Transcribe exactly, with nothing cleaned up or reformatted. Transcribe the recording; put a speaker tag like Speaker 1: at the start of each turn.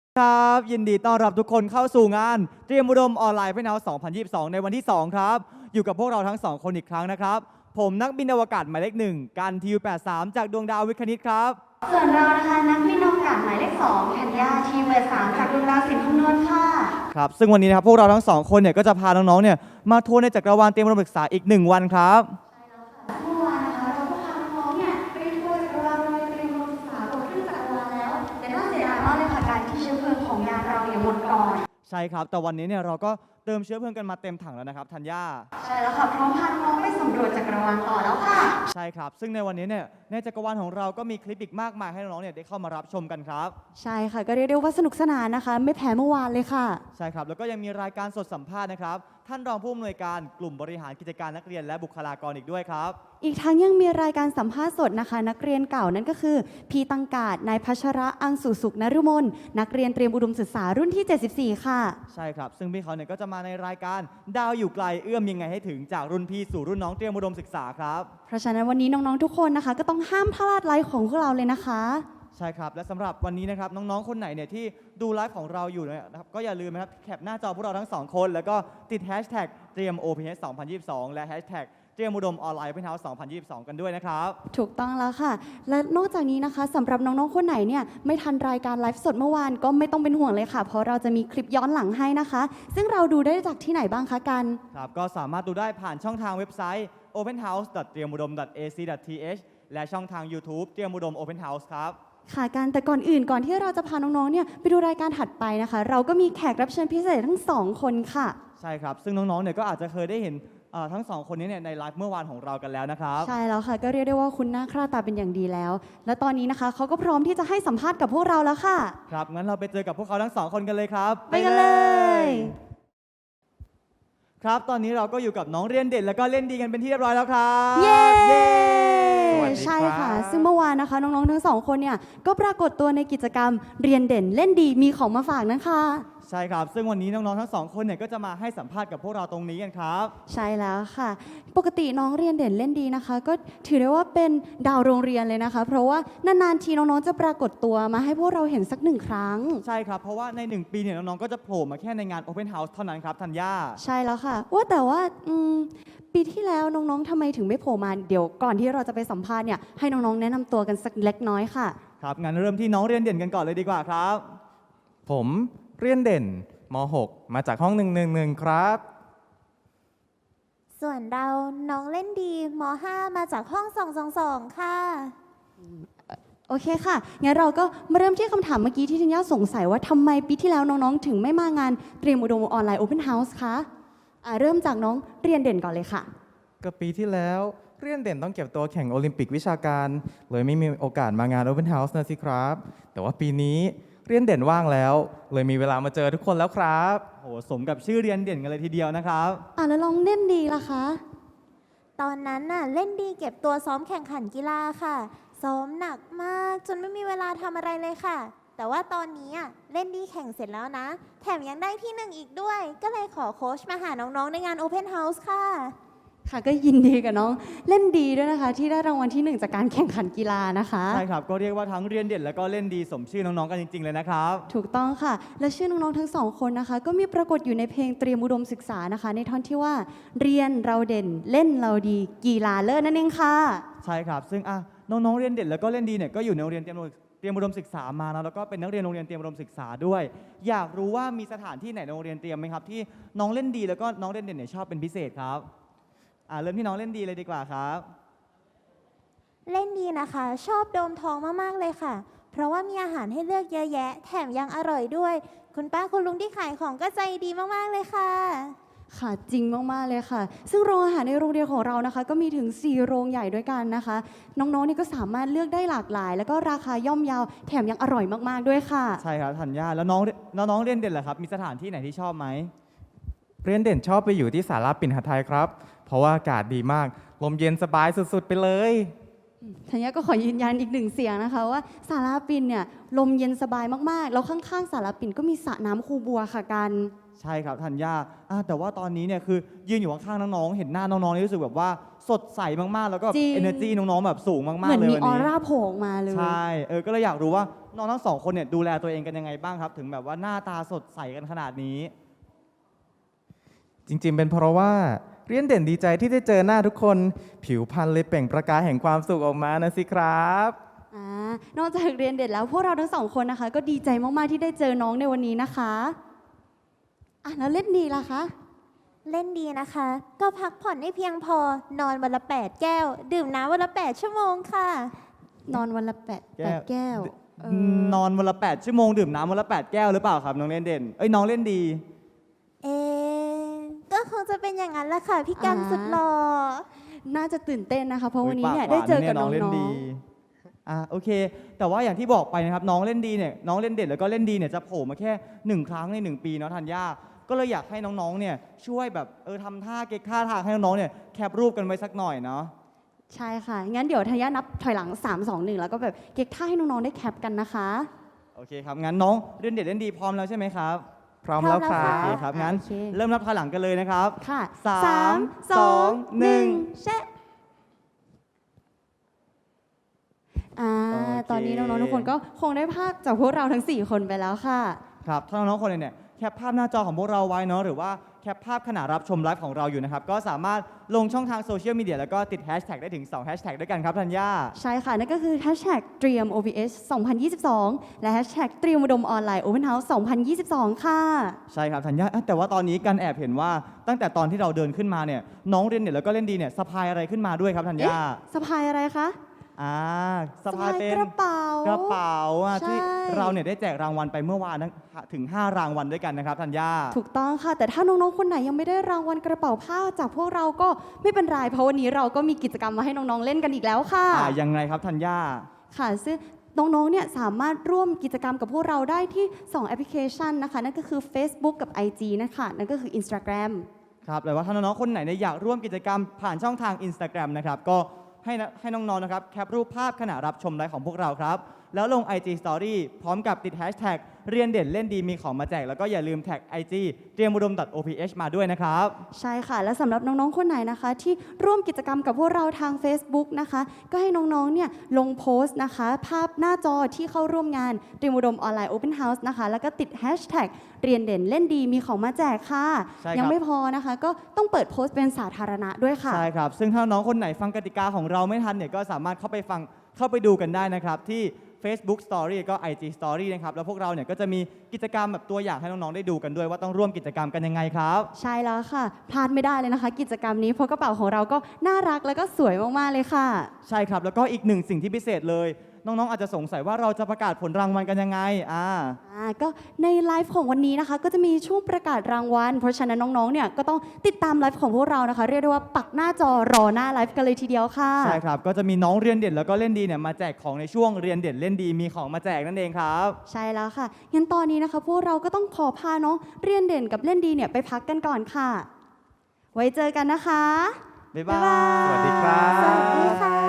Speaker 1: ครับยินดีต้อนรับทุกคนเข้าสู่งานเตรียมอุดมออนไลน์เพื่อนาสองพันยี่สิบสองในวันที่สองครับอยู่กับพวกเราทั้งสองคนอีกครั้งนะครับผมนักบินอวกาศหมายเลขหนึ่งกันทีวแปดสามจากดวงดาววิทย์คณิตครับ
Speaker 2: ส่วนเรานะคะนักบินอวกาศหมายเลขสองธัญญาทีเบอร์สามจากดวงดาวสินคำนวณค่ะ
Speaker 1: ครับซึ่งวันนี้นะครับพวกเราทั้งสองคนเนี่ยก็จะพาน้องๆเนี่ยมาทัวร์ในจักรวาลเตรียมอุดมศึกษาอีกหนึ่งวันครับ
Speaker 2: เมื่อวานนะคะเราก็พาน้องๆเนี่ยไปทัวร์จักรวาลโดยเตรียมอุดมศึกษาบนเครื่องจักรวาลแล้วแต่น่าเสียดายมากเลยค่ะการที่เชื้อเพลิงของยานเราเนี่ยหมดก่อน
Speaker 1: ใช่ครับแต่วันนี้เนี่ยเราก็เติมเชื้อเพลิงกันมาเต็มถังแล้วนะครับธัญญา
Speaker 2: ใช่แล้วค่ะพร้อมพาน้องๆไปสำรวจจักรวาลต่อแล้วค่ะ
Speaker 1: ใช่ครับซึ่งในวันนี้เนี่ยในจักรวาลของเราก็มีคลิปอีกมากมายให้น้องๆเนี่ยได้เข้ามารับชมกันครับ
Speaker 3: ใช่ค่ะก็เรียกได้ว่าสนุกสนานนะคะไม่แพ้เมื่อวานเลยค่ะ
Speaker 1: ใช่ครับแล้วก็ยังมีรายการสดสัมภาษณ์นะครับท่านรองผู้อำนวยการกลุ่มบริหารกิจการนักเรียนและบุคลากรอีกด้วยครับ
Speaker 3: อีกทั้งยังมีรายการสัมภาษณ์สดนะคะนักเรียนเก่านั่นก็คือพีตังกาดนายพัชระอังสุสุขนฤมลนักเรียนเตรียมอุดมศึกษารุ่นที่เจ็ดสิบสี่ค่ะ
Speaker 1: ใช่ครับซึ่งพี่เขาเนี่ยก็จะมาในรายการดาวอยู่ไกลเอื้อมยังไงให้ถึงจากรุ่นพี่สู่รุ่นน้องเตรียมอุดมศึกษาครับ
Speaker 3: เพราะฉะนั้นวันนี้น้องๆทุกคนนะคะก็ต้องห้ามพลาดไลฟ์ของพวกเราเลยนะคะ
Speaker 1: ใช่ครับและสำหรับวันนี้นะครับน้องๆคนไหนเนี่ยที่ดูไลฟ์ของเราอยู่นะครับก็อย่าลืมนะครับแคปหน้าจอพวกเราทั้งสองคนแล้วก็ติดแฮชแท็กเตรียม โอ พี เอช สองพันยี่สิบสองและแฮชแท็กเตรียมอุดมออนไลน์เป็นเฮาส์สองพันยี่สิบสองกันด้วยนะครับ
Speaker 3: ถูกต้องแล้วค่ะและนอกจากนี้นะคะสำหรับน้องๆคนไหนเนี่ยไม่ทันรายการไลฟ์สดเมื่อวานก็ไม่ต้องเป็นห่วงเลยค่ะเพราะเราจะมีคลิปย้อนหลังให้นะคะซึ่งเราดูได้จากที่ไหนบ้างคะกัน
Speaker 1: ครับก็สามารถดูได้ผ่านช่องทางเว็บไซต์ โอเพนเฮาส์ ดอท เตรียมอุดม ดอท เอ ซี ดอท ที เอช และช่องทาง YouTube เตรียมอุดม Open House ครับ
Speaker 3: ค่ะกันแต่ก่อนอื่นก่อนที่เราจะพาน้องๆเนี่ยไปดูรายการถัดไปนะคะเราก็มีแขกรับเชิญพิเศษทั้งสองคนค่ะ
Speaker 1: ใช่ครับซึ่งน้องๆเนี่ยก็อาจจะเคยได้เห็นทั้งสองคนนี้เนี่ยในไลฟ์เมื่อวานของเรากันแล้วนะครับ
Speaker 3: ใช่แล้วค่ะก็เรียกได้ว่าคุณหน้าค่าตาเป็นอย่างดีแล้วและตอนนี้นะคะเขาก็พร้อมที่จะให้สัมภาษณ์กับพวกเราแล้วค่ะ
Speaker 1: ครับงั้นเราไปเจอกับพวกเขาทั้งสองคนกันเลยครับ
Speaker 3: ไปกันเลย
Speaker 1: ครับตอนนี้เราก็อยู่กับน้องเรียนเด่นแล้วก็เล่นดีกันเป็นที่เรียบร้อยแล้วครับ
Speaker 3: เย้ใช่ค่ะซึ่งเมื่อวานนะคะน้องๆทั้งสองคนเนี่ยก็ปรากฏตัวในกิจกรรมเรียนเด่นเล่นดีมีของมาฝากนะคะ
Speaker 1: ใช่ครับซึ่งวันนี้น้องๆทั้งสองคนเนี่ยก็จะมาให้สัมภาษณ์กับพวกเราตรงนี้กันครับ
Speaker 3: ใช่แล้วค่ะปกติน้องเรียนเด่นเล่นดีนะคะก็ถือได้ว่าเป็นดาวโรงเรียนเลยนะคะเพราะว่านานๆทีน้องๆจะปรากฏตัวมาให้พวกเราเห็นสักหนึ่งครั้ง
Speaker 1: ใช่ครับเพราะว่าในหนึ่งปีเนี่ยน้องๆก็จะโผล่มาแค่ในงาน Open House เท่านั้นครับธัญญา
Speaker 3: ใช่แล้วค่ะว่าแต่ว่าปีที่แล้วน้องๆทำไมถึงไม่โผล่มาเดี๋ยวก่อนที่เราจะไปสัมภาษณ์เนี่ยให้น้องๆแนะนำตัวกันสักเล็กน้อยค่ะ
Speaker 1: ครับงั้นเริ่มที่น้องเรียนเด่นกันก่อนเลยดีกว่าครับ
Speaker 4: ผมเรียนเด่นม หก มาจากห้องหนึ่งหนึ่งหนึ่งครับ
Speaker 5: ส่วนเราน้องเล่นดีม ห้า มาจากห้องสองสองสองค่ะ
Speaker 3: โอเคค่ะงั้นเราก็มาเริ่มที่คำถามเมื่อกี้ที่ทัญญาสงสัยว่าทำไมปีที่แล้วน้องๆถึงไม่มางานเตรียมอุดมออนไลน์ Open House คะอ่าเริ่มจากน้องเรียนเด่นก่อนเลยค่ะ
Speaker 4: ก็ปีที่แล้วเรียนเด่นต้องเก็บตัวแข่งโอลิมปิกวิชาการเลยไม่มีโอกาสมางาน Open House นะสิครับแต่ว่าปีนี้เรียนเด่นว่างแล้วเลยมีเวลามาเจอทุกคนแล้วครับ
Speaker 1: โหสมกับชื่อเรียนเด่นกันเลยทีเดียวนะครับ
Speaker 3: อ่าแล้วลองเล่นดีล่ะคะ
Speaker 5: ตอนนั้นน่ะเล่นดีเก็บตัวซ้อมแข่งขันกีฬาค่ะซ้อมหนักมากจนไม่มีเวลาทำอะไรเลยค่ะแต่ว่าตอนนี้เล่นดีแข่งเสร็จแล้วนะแถมยังได้ที่หนึ่งอีกด้วยก็เลยขอโค้ชมาหาน้องๆในงาน Open House ค่ะ
Speaker 3: ค่ะก็ยินดีกับน้องเล่นดีด้วยนะคะที่ได้รางวัลที่หนึ่งจากการแข่งขันกีฬานะคะ
Speaker 1: ใช่ครับก็เรียกว่าทั้งเรียนเด่นแล้วก็เล่นดีสมชื่อน้องๆกันจริงๆเลยนะครับ
Speaker 3: ถูกต้องค่ะและชื่อน้องๆทั้งสองคนนะคะก็มีปรากฏอยู่ในเพลงเตรียมอุดมศึกษานะคะในท่อนที่ว่าเรียนเราเด่นเล่นเราดีกีฬาเลิศนั่นเองค่ะ
Speaker 1: ใช่ครับซึ่งอ่ะน้องๆเรียนเด่นแล้วก็เล่นดีเนี่ยก็อยู่ในโรงเรียนเตรียมเตรียมอุดมศึกษามานะแล้วก็เป็นนักเรียนโรงเรียนเตรียมอุดมศึกษาด้วยอยากรู้ว่ามีสถานที่ไหนในโรงเรียนเตรียมไหมครับที่น้องเล่นดีแล้วก็น้องเล่นเด่นเนี่ยชอบเป็นพิเศษครับอ่าเริ่มที่น้องเล่นดีเลยดีกว่าครับ
Speaker 5: เล่นดีนะคะชอบโดมทองมากๆเลยค่ะเพราะว่ามีอาหารให้เลือกเยอะแยะแถมยังอร่อยด้วยคุณป้าคุณลุงที่ขายของก็ใจดีมากๆเลยค่ะ
Speaker 3: ค่ะจริงมากๆเลยค่ะซึ่งโรงอาหารในโรงเรียนของเรานะคะก็มีถึงสี่โรงใหญ่ด้วยกันนะคะน้องๆนี่ก็สามารถเลือกได้หลากหลายแล้วก็ราคาย่อมเยาแถมยังอร่อยมากๆด้วยค่ะ
Speaker 1: ใช่ครับธัญญาแล้วน้องน้องเรียนเด่นเหรอครับมีสถานที่ไหนที่ชอบไหม
Speaker 4: เรียนเด่นชอบไปอยู่ที่ศาลาปิ่นหทัยครับเพราะว่าอากาศดีมากลมเย็นสบายสุดๆไปเลย
Speaker 3: ธัญญาก็ขอยืนยันอีกหนึ่งเสียงนะคะว่าศาลาปิ่นเนี่ยลมเย็นสบายมากๆแล้วข้างๆศาลาปิ่นก็มีสระน้ำคูบัวค่ะกัน
Speaker 1: ใช่ครับธัญญาอ่ะแต่ว่าตอนนี้เนี่ยคือยืนอยู่ข้างๆน้องๆเห็นหน้าน้องๆนี่รู้สึกแบบว่าสดใสมากๆ แล้วก็
Speaker 3: จริง
Speaker 1: เอเนอร์จีน้องๆแบบสูงมาก
Speaker 3: เหมื
Speaker 1: ๆ
Speaker 3: อน
Speaker 1: เลย
Speaker 3: มี
Speaker 1: วัน
Speaker 3: ออ
Speaker 1: นี้
Speaker 3: ร่าโผล่ออกมาเลย
Speaker 1: ใช่เออก็เลยอยากรู้ว่าน้องทั้งสองคนเนี่ยดูแลตัวเองกันยังไงบ้างครับ ถึงแบบว่าหน้าตาสดใสกันขนาดนี้
Speaker 4: จริงๆ เป็นเพราะว่าเรียนเด่นดีใจที่ได้เจอหน้าทุกคน ผิวพรรณเลยเปล่งประกายแห่งความสุขออกมานะสิครับ
Speaker 3: อ่านอกจากเรียนเด็ดแล้วพวกเราทั้งสองคนนะคะ ก็ดีใจมากๆที่ได้เจอน้องในวันนี้นะคะอ่ะแล้วเล่นดีล่ะคะ
Speaker 5: เล่นดีนะคะ ก็พักผ่อนให้เพียงพอ นอนวันละแปดแก้ว ดื่มน้ำวันละแปดชั่วโมงค่ะ
Speaker 3: นอนวันละแปด
Speaker 1: แก้ว
Speaker 3: แปดแก้วเออน
Speaker 1: อนวันละแปดชั่วโมงดื่มน้ำวันละแปดแก้วหรือเปล่าครับน้องเล่นเด่นเอ้ยน้องเล่นดี
Speaker 5: เอ๊ะก็คงจะเป็นอย่างนั้นแหละค่ะ พี่กันสุดหล่อ
Speaker 3: น่าจะตื่นเต้นนะคะ เพราะวันนี้
Speaker 1: อุ๊
Speaker 3: เนี่ย
Speaker 1: ปา
Speaker 3: ได้
Speaker 1: หวา
Speaker 3: เจอกับ
Speaker 1: ย
Speaker 3: น้อง
Speaker 1: เล่นดีอ่ะโอเค แต่ว่าอย่างที่บอกไปนะครับน้องเล่นดีเนี่ยน้องเล่นเด่นแล้วก็เล่นดีเนี่ยจะโผล่มาแค่หนึ่งครั้งในหนึ่งปีเนาะธัญญาก็เลยอยากให้น้องๆเนี่ยช่วยแบบเออทำท่าเก๊กท่าทางให้น้องๆเนี่ยแคปรูปกันไว้สักหน่อยเนาะ
Speaker 3: ๆใช่ค่ะ งั้นเดี๋ยวธัญญานับถอยหลัง สาม สอง หนึ่ง แล้วก็แบบเก๊กท่าให้น้องๆได้แคปกันนะคะ
Speaker 1: โอเคครับงั้นน้องเล่นเด่นเล่นดีพร้อมแล้วใช่ไหมครับ
Speaker 4: พร้อมแล้วครั
Speaker 5: พร้อม
Speaker 1: โอเค
Speaker 5: แล้ว
Speaker 4: บ
Speaker 1: ครับงั้น
Speaker 3: โอเค
Speaker 1: เริ่มนับถอยหลังกันเลยนะครับ
Speaker 3: ค่ะ
Speaker 1: สาม
Speaker 3: สาม
Speaker 1: ส
Speaker 3: ส
Speaker 1: อ
Speaker 3: อง ง
Speaker 1: หนึ่ง
Speaker 3: แชะอ่า
Speaker 1: โอเค
Speaker 3: ตอนนี้น้องๆทุกคนก็คงได้ภาพจากพวกเราทั้งสี่คนไปแล้วค่ะ
Speaker 1: ครับถ้าน้องๆคนไหนเนี่ยแคปภาพหน้าจอของพวกเราไว้เนาะหรือว่าแคปภาพขณะรับชมไลฟ์ของเราอยู่นะครับก็สามารถลงช่องทางโซเชียลมีเดียแล้วก็ติดแฮชแท็กได้ถึงสองแฮชแท็กด้วยกันครับธัญญา
Speaker 3: ใช่ค่ะ นั่นก็คือ hashtag เตรียม โอ พี เอส สองพันยี่สิบสอง และ hashtag เตรียมอุดมออนไลน์ Open House สองพันยี่สิบสอง ค่ะ
Speaker 1: ใช่ครับธัญญาเอ้ยแต่ว่าตอนนี้กันแอบเห็นว่าตั้งแต่ตอนที่เราเดินขึ้นมาเนี่ยน้องเรียนเนี่ยแล้วก็เล่นดีเนี่ยสะพายอะไรขึ้นมาด้วยครับธัญญา
Speaker 3: สะพายอะไรคะ
Speaker 1: อ่าสะพายเป็น
Speaker 3: กระเป๋าก
Speaker 1: ระเป๋าอ่ะ
Speaker 3: ใช่
Speaker 1: ที่เราเนี่ยได้แจกรางวัลไปเมื่อวานนะถึง ห้ารางวัลด้วยกันนะครับธัญญา
Speaker 3: ถูกต้องค่ะ แต่ถ้าน้องๆ คนไหนยังไม่ได้รางวัลกระเป๋าผ้าจากพวกเราก็ไม่เป็นไร เพราะวันนี้เราก็มีกิจกรรมมาให้น้องๆ เล่นกันอีกแล้วค่ะ
Speaker 1: อ่ายังไงครับธัญญา
Speaker 3: ค่ะ ซึ่งน้องๆ เนี่ยสามารถร่วมกิจกรรมกับพวกเราได้ที่สองแอปพลิเคชันนะคะ นั่นก็คือ Facebook กับ ไอ จี นะคะนั่นก็คือ Instagram
Speaker 1: ครับแต่ว่าถ้าน้องๆ คนไหนเนี่ยอยากร่วมกิจกรรมผ่านช่องทาง Instagram นะครับ ก็ให้นะให้น้องๆ นะครับ แคปรูปภาพขณะรับชมไลฟ์ของพวกเราครับ แล้วลง ไอ จี Story พร้อมกับติดแฮชแท็กเรียนเด่นเล่นดีมีของมาแจก แล้วก็อย่าลืมแท็ก ไอ จี เตรียมอุดม .oph มาด้วยนะครับ
Speaker 3: ใช่ค่ะ และสำหรับน้องๆ คนไหนนะคะ ที่ร่วมกิจกรรมกับพวกเราทาง Facebook นะคะ ก็ให้น้องๆ เนี่ยลงโพสต์นะคะ ภาพหน้าจอที่เข้าร่วมงานเตรียมอุดมออนไลน์ Open House นะคะ แล้วก็ติดแฮชแท็กเรียนเด่นเล่นดีมีของมาแจกค่ะ
Speaker 1: ใช่ครับ
Speaker 3: ยังไม่พอนะคะ ก็ต้องเปิดโพสต์เป็นสาธารณะด้วยค่ะ
Speaker 1: ใช่ครับ ซึ่งถ้าน้องคนไหนฟังกติกาของเราไม่ทันเนี่ยก็สามารถเข้าไปฟังเข้าไปดูกันได้นะครับ ที่ Facebook Story ก็ ไอ จี Story นะครับ แล้วพวกเราเนี่ยก็จะมีกิจกรรมแบบตัวอย่างให้น้องๆ ได้ดูกันด้วยว่าต้องร่วมกิจกรรมกันยังไงครับ
Speaker 3: ใช่แล้วค่ะ พลาดไม่ได้เลยนะคะ กิจกรรมนี้เพราะกระเป๋าของเราก็น่ารักแล้วก็สวยมากๆเลยค่ะ
Speaker 1: ใช่ครับ แล้วก็อีกหนึ่งสิ่งที่พิเศษเลย น้องๆ อาจจะสงสัยว่าเราจะประกาศผลรางวัลกันยังไงอ่า
Speaker 3: อ่าก็ในไลฟ์ของวันนี้นะคะ ก็จะมีช่วงประกาศรางวัล เพราะฉะนั้นน้องๆ เนี่ยก็ต้องติดตามไลฟ์ของพวกเรานะคะ เรียกได้ว่าปักหน้าจอรอหน้าไลฟ์กันเลยทีเดียวค่ะ
Speaker 1: ใช่ครับ ก็จะมีน้องเรียนเด่นแล้วก็เล่นดีเนี่ยมาแจกของในช่วงเรียนเด่นเล่นดีมีของมาแจกนั่นเองครับ
Speaker 3: ใช่แล้วค่ะ งั้นตอนนี้นะคะ พวกเราก็ต้องขอพาน้องเรียนเด่นกับเล่นดีเนี่ยไปพักกันก่อนค่ะ ไว้เจอกันนะคะ
Speaker 1: บ๊ายบาย
Speaker 4: สวัสดีครับ
Speaker 5: สวัสดีค่ะ